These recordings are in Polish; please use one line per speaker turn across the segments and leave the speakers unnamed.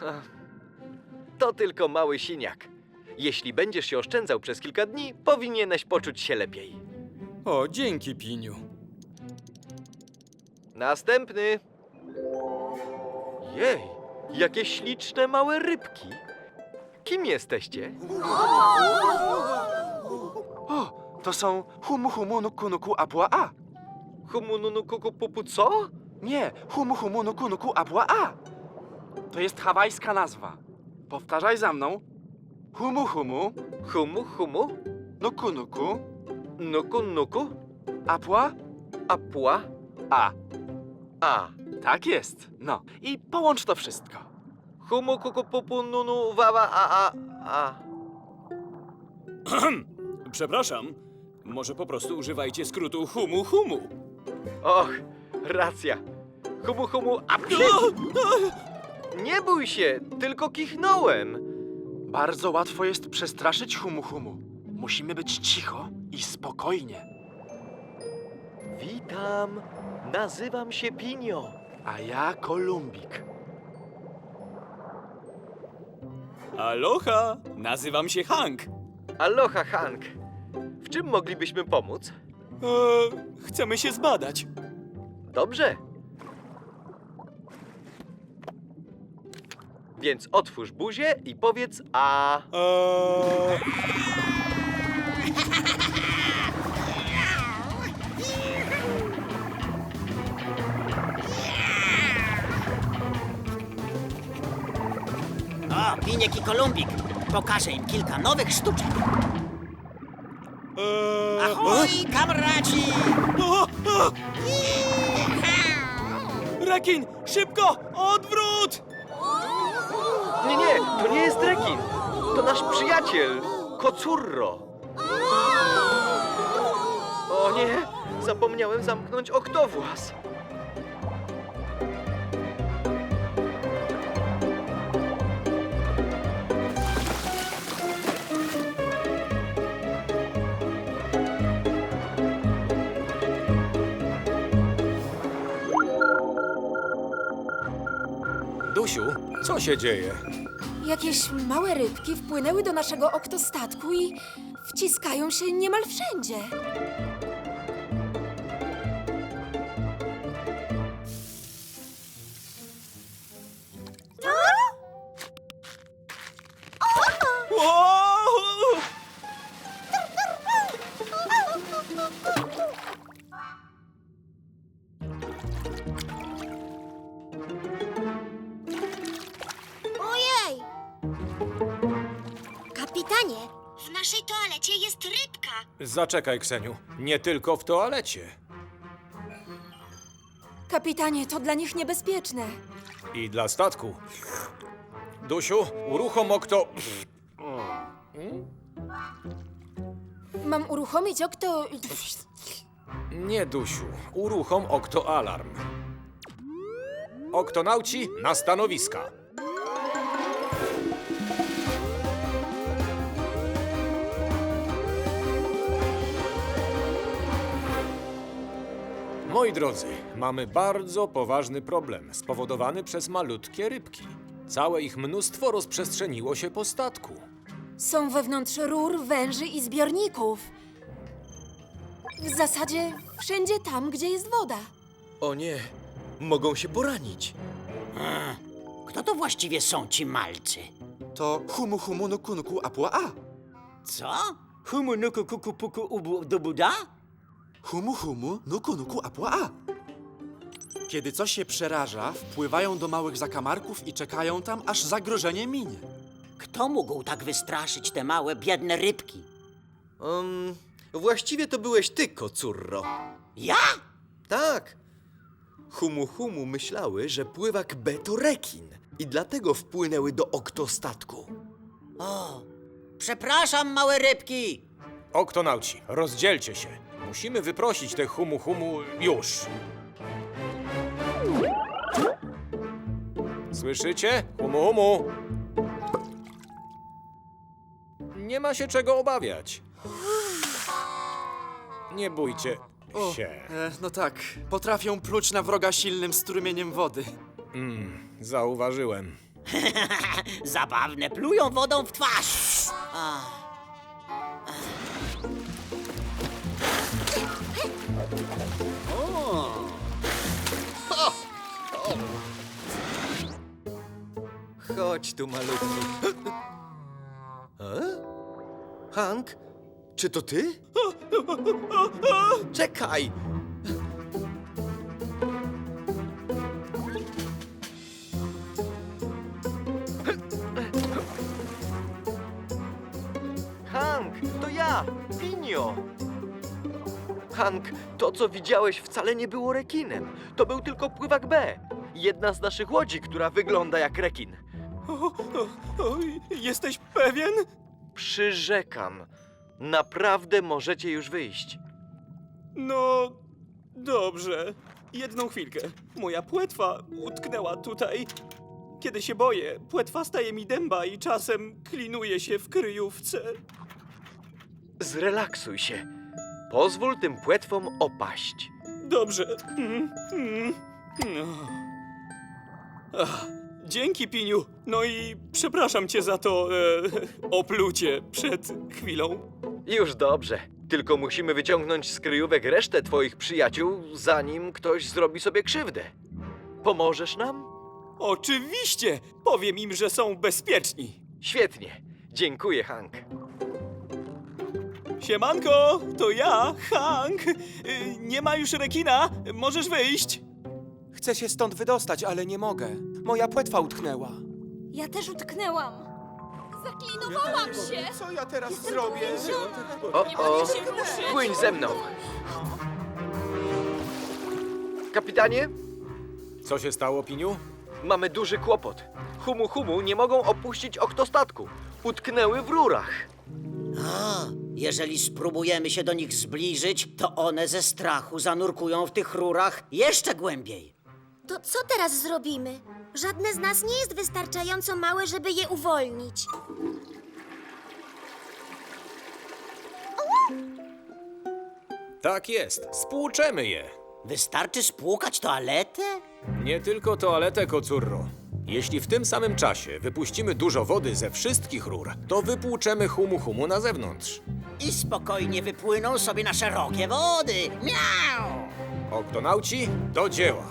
To tylko mały siniak. Jeśli będziesz się oszczędzał przez kilka dni, powinieneś poczuć się lepiej.
O, dzięki, Piniu.
Następny. Jej, jakie śliczne małe rybki. Kim jesteście?
O, to są Humu Humu Nuku Nuku Apua A.
Humununukukupupu co?
Nie, Humu Humu Nuku Nuku Apua A. To jest hawajska nazwa. Powtarzaj za mną. Humu Humu
Humu, humu,
Nuku Nuku
nuku, nuku,
Apua
apua,
A.
a.
Tak jest. No i połącz to wszystko.
Humu, kukupupu, nunu, wawa, a.
Przepraszam, może po prostu używajcie skrótu humu humu.
Och, racja. Humu, humu, a Nie bój się, tylko kichnąłem.
Bardzo łatwo jest przestraszyć Humu Humu. Musimy być cicho i spokojnie.
Witam, nazywam się Pinio.
A ja Kolumbik.
Aloha, nazywam się Hank.
Aloha, Hank. W czym moglibyśmy pomóc?
Chcemy się zbadać.
Dobrze. Więc otwórz buzię i powiedz a.
O, Piniek i Kolumbik. Pokażę im kilka nowych sztuczek. Ahoj, kamraci!
Rekin, szybko, odwrót!
Nie, to nie jest rekin. To nasz przyjaciel, Kocurro. O nie, zapomniałem zamknąć oktowłas.
Dusiu, co się dzieje?
Jakieś małe rybki wpłynęły do naszego oktostatku i wciskają się niemal wszędzie.
Wow!
Ojej! Kapitanie, w naszej toalecie jest rybka.
Zaczekaj, Kseniu, nie tylko w toalecie.
Kapitanie, to dla nich niebezpieczne.
I dla statku. Dusiu, uruchom okto...
Mam uruchomić okto...
Nie, Dusiu, uruchom oktoalarm. Oktonauci na stanowiska. Moi drodzy, mamy bardzo poważny problem spowodowany przez malutkie rybki. Całe ich mnóstwo rozprzestrzeniło się po statku.
Są wewnątrz rur, węży i zbiorników. W zasadzie wszędzie tam, gdzie jest woda.
O nie, mogą się poranić.
Kto to właściwie są ci malcy?
To Humu Humu Nuku Nuku Apua A.
Co? Humu nuku kuku puku ubu do buda?
Humu Humu Nuku Nuku Apua A. Kiedy coś się przeraża, wpływają do małych zakamarków i czekają tam, aż zagrożenie minie.
Kto mógł tak wystraszyć te małe, biedne rybki?
Właściwie to byłeś ty, Kocurro.
Ja?
Tak. Humu Humu myślały, że pływak B to rekin i dlatego wpłynęły do oktostatku.
O, przepraszam, małe rybki.
Oktonauci, rozdzielcie się. Musimy wyprosić te humu humu już. Słyszycie? Humu humu. Nie ma się czego obawiać. Nie bójcie się.
No tak, potrafią pluć na wroga silnym strumieniem wody.
Zauważyłem.
Zabawne, plują wodą w twarz.
Chodź tu, malutki. Hank, czy to ty? Czekaj! Hank, to ja, Pinio. Hank, to co widziałeś wcale nie było rekinem. To był tylko pływak B. Jedna z naszych łodzi, która wygląda jak rekin.
Jesteś pewien?
Przyrzekam. Naprawdę możecie już wyjść.
No, dobrze. Jedną chwilkę. Moja płetwa utknęła tutaj. Kiedy się boję, płetwa staje mi dęba i czasem klinuje się w kryjówce.
Zrelaksuj się. Pozwól tym płetwom opaść.
Dobrze. No. Ach, dzięki, Piniu. No i przepraszam cię za to oplucie przed chwilą.
Już dobrze. Tylko musimy wyciągnąć z kryjówek resztę twoich przyjaciół, zanim ktoś zrobi sobie krzywdę. Pomożesz nam?
Oczywiście! Powiem im, że są bezpieczni.
Świetnie. Dziękuję, Hank.
Siemanko, to ja, Hank. Nie ma już rekina, możesz wyjść.
Chcę się stąd wydostać, ale nie mogę. Moja płetwa utknęła.
Ja też utknęłam. Zaklinowałam się.
Co ja teraz zrobię?
O, płyń ze mną. Kapitanie,
Co się stało, Piniu?
mamy duży kłopot. Humu Humu nie mogą opuścić oktostatku. Utknęły w rurach.
A, jeżeli spróbujemy się do nich zbliżyć, to one ze strachu zanurkują w tych rurach jeszcze głębiej.
To co teraz zrobimy? Żadne z nas nie jest wystarczająco małe, żeby je uwolnić.
Tak jest, spłuczemy je.
Wystarczy spłukać toaletę?
Nie tylko toaletę, kocurro. Jeśli w tym samym czasie wypuścimy dużo wody ze wszystkich rur, to wypłuczemy Humu Humu na zewnątrz.
I spokojnie wypłyną sobie na szerokie wody. Miau!
Oktonauci, do dzieła.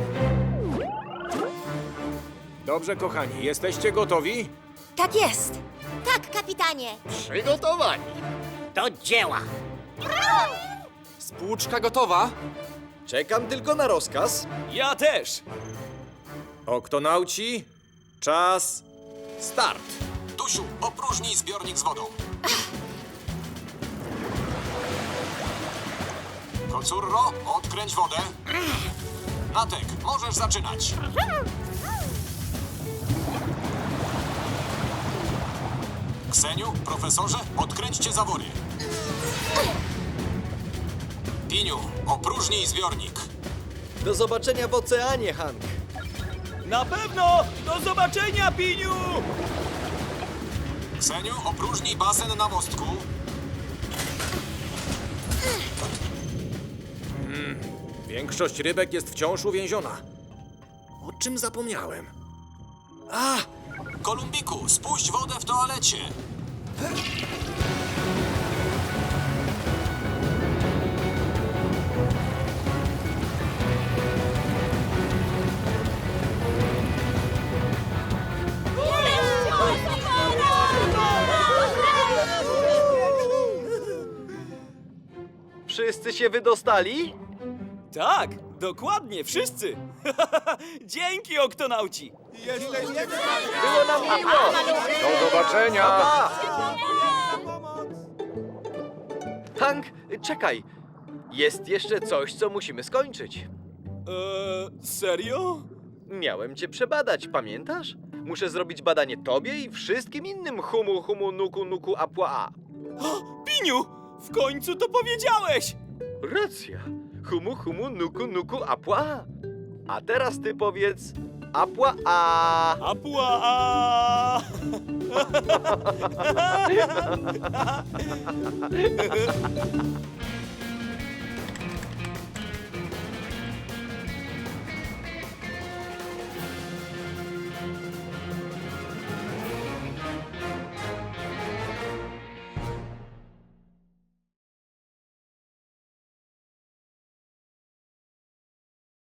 Dobrze, kochani, jesteście gotowi?
Tak jest.
Tak, kapitanie.
Przygotowani.
Do dzieła!
Spłuczka gotowa?
Czekam tylko na rozkaz.
Ja też.
Oktonauci, czas, start.
Tusiu, opróżnij zbiornik z wodą. Kocurro, odkręć wodę. Natek, możesz zaczynać. Kseniu, profesorze, odkręćcie zawory. Piniu, opróżnij zbiornik.
Do zobaczenia w oceanie, Hank.
Na pewno! Do zobaczenia, Piniu!
Kseniu, opróżnij basen na mostku.
Większość rybek jest wciąż uwięziona. O czym zapomniałem?
Kolumbiku, spuść wodę w toalecie.
Wszyscy się wydostali?
Tak, dokładnie, wszyscy. Dzięki, oktonauci.
Było nam miło.
Do zobaczenia!
Hank, czekaj. Jest jeszcze coś, co musimy skończyć.
Serio?
Miałem cię przebadać, pamiętasz? Muszę zrobić badanie tobie i wszystkim innym Humu Humu Nuku Nuku Apua A.
Piniu, w końcu to powiedziałeś!
Racja. Humu Humu Nuku Nuku Apua A. A teraz ty powiedz Apua A.
Apua!